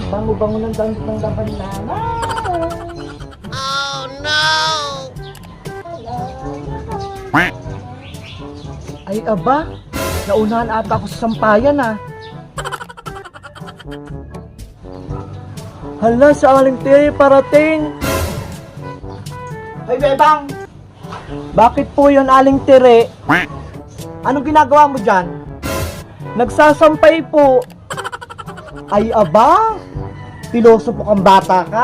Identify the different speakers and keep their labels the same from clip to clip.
Speaker 1: Bango-bango ng damit ng laban na.
Speaker 2: Oh no!
Speaker 1: Ay aba, naunahan ata ako sa sampayan ah. Hala, sa aling tiri parating. Ay bebang, bakit po yun aling tiri? Anong ginagawa mo dyan? Nagsasampay po. Ay aba, piloso po kang bata ka.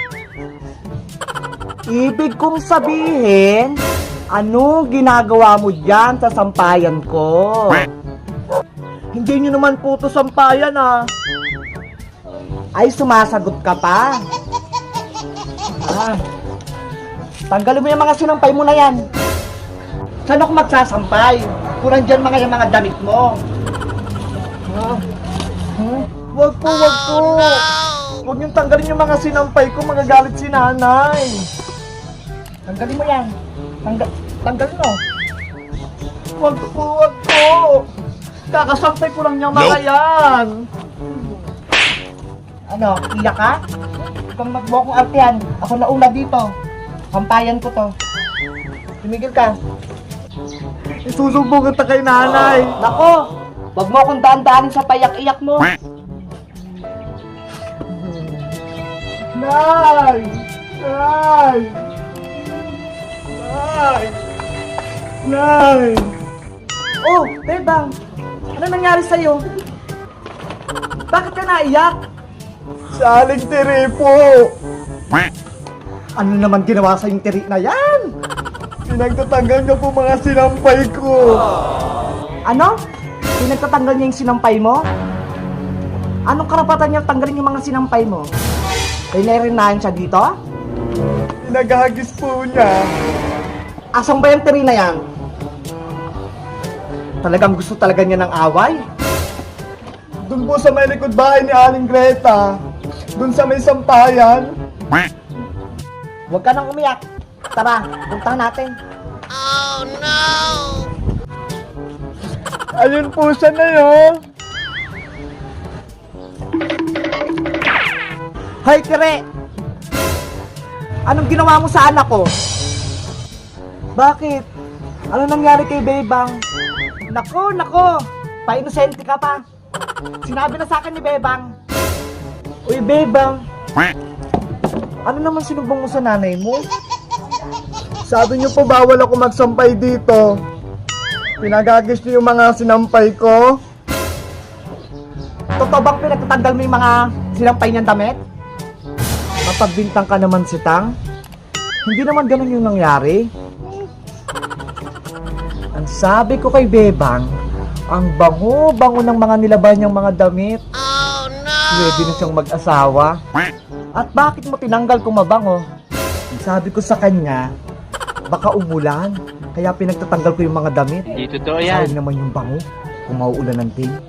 Speaker 1: Ibig kong sabihin, ano ginagawa mo dyan sa sampayan ko? Hindi nyo naman po to sampayan ah. Ay, sumasagot ka pa. Ah, tanggalin mo yung mga sinampay mo na yan. Saan ako magsasampay? Kung nandyan yung mga damit mo. Wag po, wag po. Huwag niyong tanggalin yung mga sinampay ko, magagalit si nanay. Tanggalin mo yan. Tanggalin mo. Wag po, wag po. Kakasampay ko lang niyang mga yan. Ano, iyak ka? Kung magbuo kong artihan, ako nauna dito. Kampayan ko to. Tumigil ka. Isusumbong kita kay nanay. Nako, wag mo akong daan-daanin sa payak-iyak mo. Nay! Nay! Nay! Nay! Oh, Bebang! Ano nangyari sa'yo? Bakit ka naiyak? Sa aling tiri po! Ano naman ginawa sa yung tiri na yan? Pinagtatanggal niya po mga sinampay ko. Ano? Pinagtatanggal niya yung sinampay mo? Anong karapatan niya tanggalin yung mga sinampay mo? Pinarinahan siya dito? Pinagahagis po niya. Asang ba yung tiri na yan? Talagang gusto talaga niya ng away? Doon po sa may likod bahay ni Aling Greta. Doon sa may sampayan. Huwag ka nang umiyak. Tara, puntahan natin.
Speaker 2: Oh no!
Speaker 1: Ayun po siya na yun. Hay, Tire! Anong ginawa mo sa anak ko? Bakit? Ano nangyari kay Bebang? Nako, nako! Pa-inosente ka pa. Sinabi na sa akin ni Bebang. Uy, Bebang! Ano naman sinumbong mo sa nanay mo? Sabi niyo po bawal ako magsampay dito. Pinagagis niyo yung mga sinampay ko. Totoo bang pinagtatanggal mo yung mga sinampay niyang damit? Mapagbintang ka naman si Tang. Hindi naman ganun yung nangyari. Ang sabi ko kay Bebang, ang bango-bango ng mga nilaban niyang mga damit.
Speaker 2: Oh no!
Speaker 1: Pwede na siyang mag-asawa. At bakit mo tinanggal kung mabango? Sabi ko sa kanya, baka umulan. Kaya pinagtatanggal ko yung mga damit.
Speaker 3: Di totoo yan.
Speaker 1: Sayang naman yung bango kung mauulan ng ting.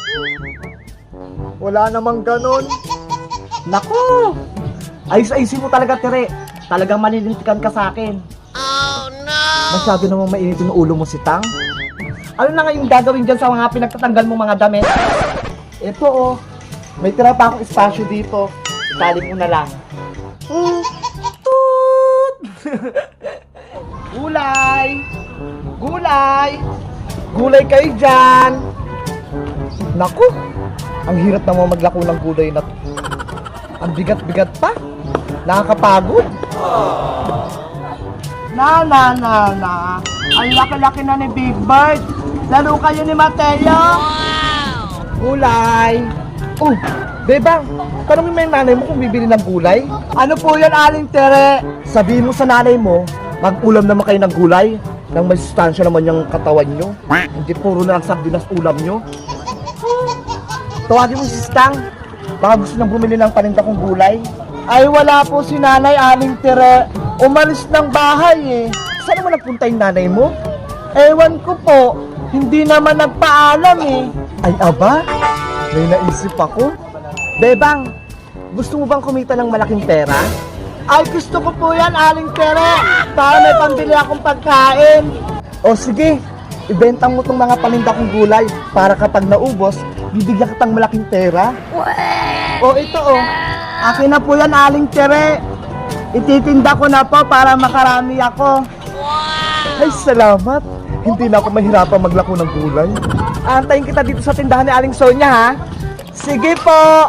Speaker 1: Wala namang ganon. Naku! Ayos-ayusin mo talaga, Tire. Talagang manilintikan ka sa akin.
Speaker 2: Oh no!
Speaker 1: Masyado namang mainit yung ulo mo si Tang. Ano na nga yung gagawin dyan sa mga pinagtatanggal mo mga damit? Ito oh, may tira pa akong espasyo dito. Itali mo na lang. Toot! Gulay! Gulay! Gulay kayo dyan! Naku! Ang hirap naman maglako ng gulay na to. Ang bigat-bigat pa. Nakakapagod. Na. Ang laki-laki na ni Big Bird. Laro kayo ni Mateo. Gulay. Oh, Bebang, tanongin mo yung nanay mo kung bibili ng gulay. Ano po yan, Aling Tere? Sabihin mo sa nanay mo, mag-ulam naman kayo ng gulay. Nang may sustansya naman yung katawan nyo. Hindi puro na lang sardinas ulam nyo. Tawagin mo si Stang. Baka gusto nang bumili ng paninda kong gulay. Ay wala po si nanay, Aling Tere. Umalis ng bahay eh. Saan naman nagpunta yung nanay mo? Ewan ko po. Hindi naman nagpaalam eh. Ay aba, may naisip ako. Bebang, gusto mo bang kumita ng malaking pera? Ay gusto ko po yan, Aling Tere. Para may pambili akong pagkain. O sige, ibenta mo tong mga paninda kong gulay para kapag naubos, bibigyan kitang malaking pera. O ito akin na po yan, Aling Tere. Ititinda ko na po para makarami ako. Ay, salamat. Hindi na ako mahirapan maglako ng gulay. Antayin kita dito sa tindahan ni Aling Sonia, ha? Sige po.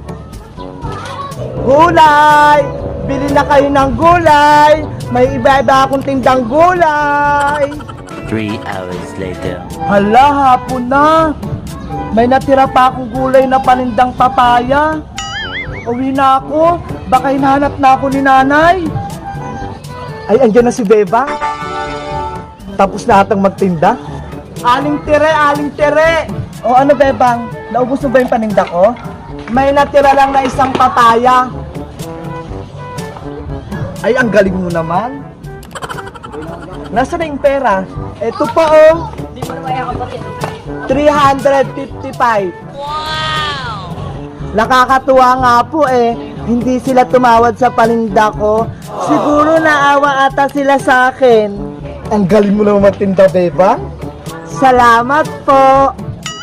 Speaker 1: Gulay! Bili na kayo ng gulay. May iba-iba akong tindang gulay.
Speaker 3: 3 hours later.
Speaker 1: Hala, hapon na. May natira pa akong gulay na panindang papaya. Uwi na ako. Baka hinahanap na ako ni nanay. Ay, andyan na si Beba. Tapos na atang magtinda. Aling Tere, Aling Tere. O ano, Bebang? Naubos mo ba yung paninda ko? May natira lang na isang papaya. Ay, ang galing mo naman. Nasaan na yung pera? Eto pa, 355. Nakakatuwa nga po hindi sila tumawad sa paninda ko. Siguro naawa ata sila sa akin. Ang galing mo naman magtinda, Beba. Salamat po.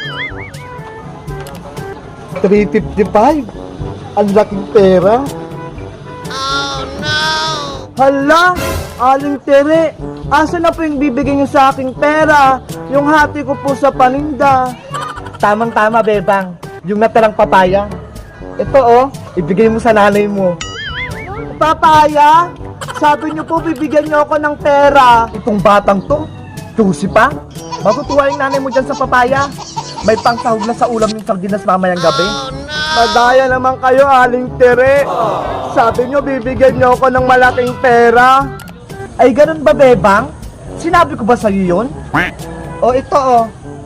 Speaker 1: 355. Ang laking pera.
Speaker 2: Oh no!
Speaker 1: Hala, Aling Tere, asa na po yung bibigyan niyo sa aking pera? Yung hati ko po sa paninda. Tamang-tama, Bebang. Yung natirang papaya. Ito ibigay mo sa nanay mo. Papaya? Sabi niyo po bibigyan niyo ako ng pera. Itong batang to, tusi pa. Matutuwa yung nanay mo dyan sa papaya. May pangsahog na sa ulam yung sardinas mamayang gabi.
Speaker 2: Oh no!
Speaker 1: Madaya naman kayo, Aling Tere. Sabi niyo bibigyan niyo ako ng malaking pera. Ay, ganun ba, Bebang? Sinabi ko ba sa'yo yun? O, ito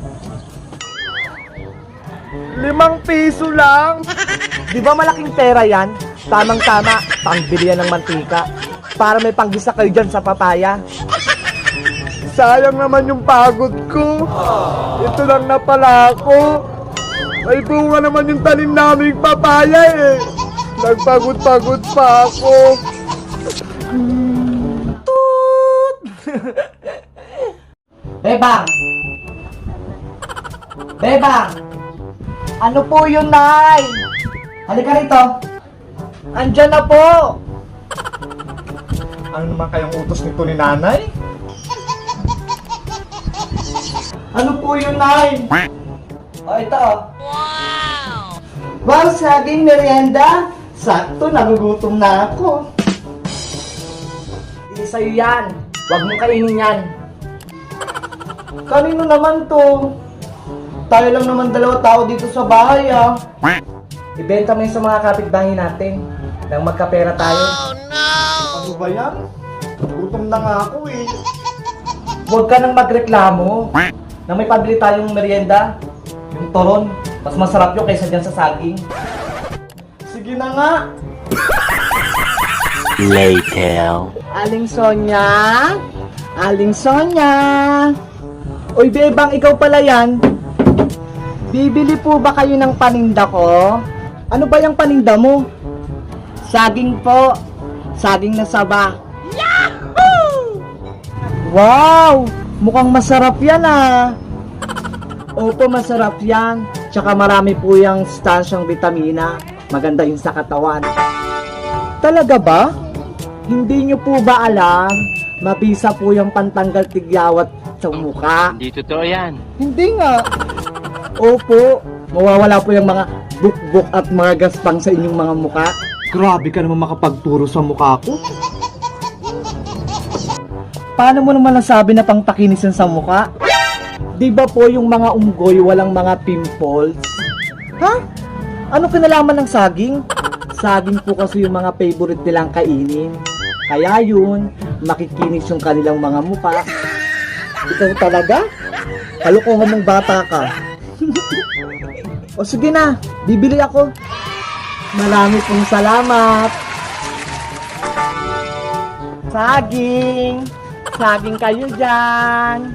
Speaker 1: 5 piso lang. Di ba malaking pera yan? Tamang-tama, pangbili yan ng mantika. Para may panggisa kayo dyan sa papaya. Sayang naman yung pagod ko. Ito lang na pala ako. May bunga naman yung tanim naming papaya Nagpagod-pagod pa ako. Toot! Bebang! Bebang! Ano po yun, Nay? Halika rito. Andyan na po. Ano naman kayang utos nito ni Nanay? Ano po yun, Nay? O, ito
Speaker 2: Wow!
Speaker 1: Wow, saging merienda. Sakto, nagugutom na ako. Hindi sa'yo yan. Huwag mong kainin yan. Kanino naman to? Tayo lang naman 2 tao dito sa bahay, Ibenta mo yun sa mga kapitbahay natin. Nang magkapera tayo.
Speaker 2: Oh no!
Speaker 1: Ano ba yan? Gutom na nga ako Huwag ka nang magreklamo. Na may pabili tayong merienda. Yung toron. Mas masarap yun kaysa dyan sa saging. Sige na nga.
Speaker 3: Later.
Speaker 1: Aling Sonia? Aling Sonia? Uy, Bebang, ikaw pala yan. Bibili po ba kayo ng paninda ko? Ano ba yung paninda mo? Saging po. Saging na saba. Yahoo! Wow! Mukhang masarap yan Opo, masarap yan. Tsaka marami po yung stansyang vitamina. Maganda yun sa katawan. Talaga ba? Hindi nyo po ba alam? Mabisa po yung pantanggal tigyawat sa mukha.
Speaker 3: Hindi totoo yan.
Speaker 1: Hindi nga. Opo, mawawala po yung mga bukbok at mga gaspang sa inyong mga mukha. Grabe ka naman makapagturo sa mukha ko. Paano mo naman nasabi na pangpakinis yan sa mukha? Di ba po yung mga unggoy walang mga pimples? Ha? Ano kinalaman ng saging? Saging po kasi yung mga favorite nilang kainin. Kaya yun, makikinis yung kanilang mga mukha. Ikaw talaga? Kalokohan mong bata ka. O sige na, bibili ako. Marami pong salamat. Saging! Saging kayo dyan!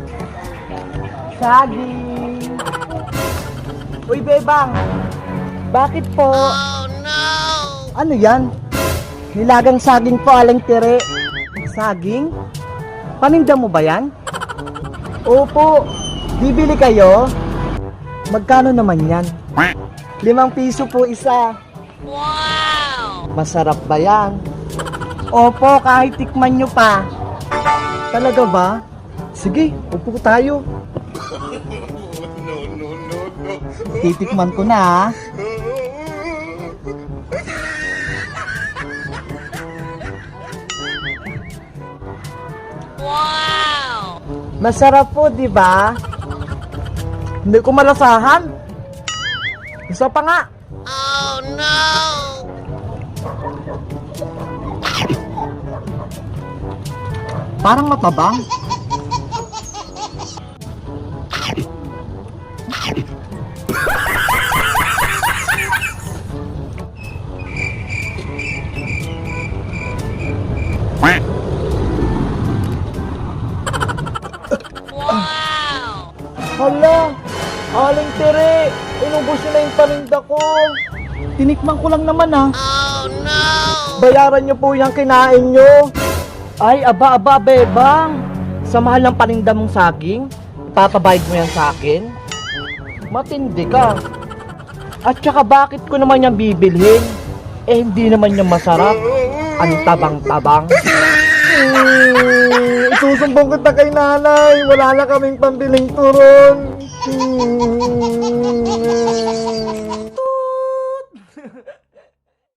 Speaker 1: Saging! Uy, Bebang! Bakit po?
Speaker 2: Oh no!
Speaker 1: Ano yan? Nilagang saging po, Aling Tere. Saging? Paninda mo ba yan? Opo. Bibili kayo? Magkano naman yan? 5 piso po isa.
Speaker 2: Wow!
Speaker 1: Masarap ba yan? Opo, kahit tikman nyo pa. Talaga ba? Sige, upo tayo. Titikman ko na ha.
Speaker 2: Wow!
Speaker 1: Masarap po, di ba? Hindi ko malasahan. Isa pa nga.
Speaker 2: Oh no!
Speaker 1: Parang matabang.
Speaker 2: Wow!
Speaker 1: Hala, Aling Tere, inubos nyo na yung paninda ko. Tinikman ko lang naman ha.
Speaker 2: Oh no!
Speaker 1: Bayaran nyo po yung kinain nyo. Ay, aba, bebang. Sa mahal ng paninda mong saging, ipapabayad mo yan sa akin? Matindi ka. At saka bakit ko naman yan bibilhin? Eh, hindi naman yan masarap. Ang tabang-tabang. Isusumbong kita kay nanay. Wala na kaming pambiling turon.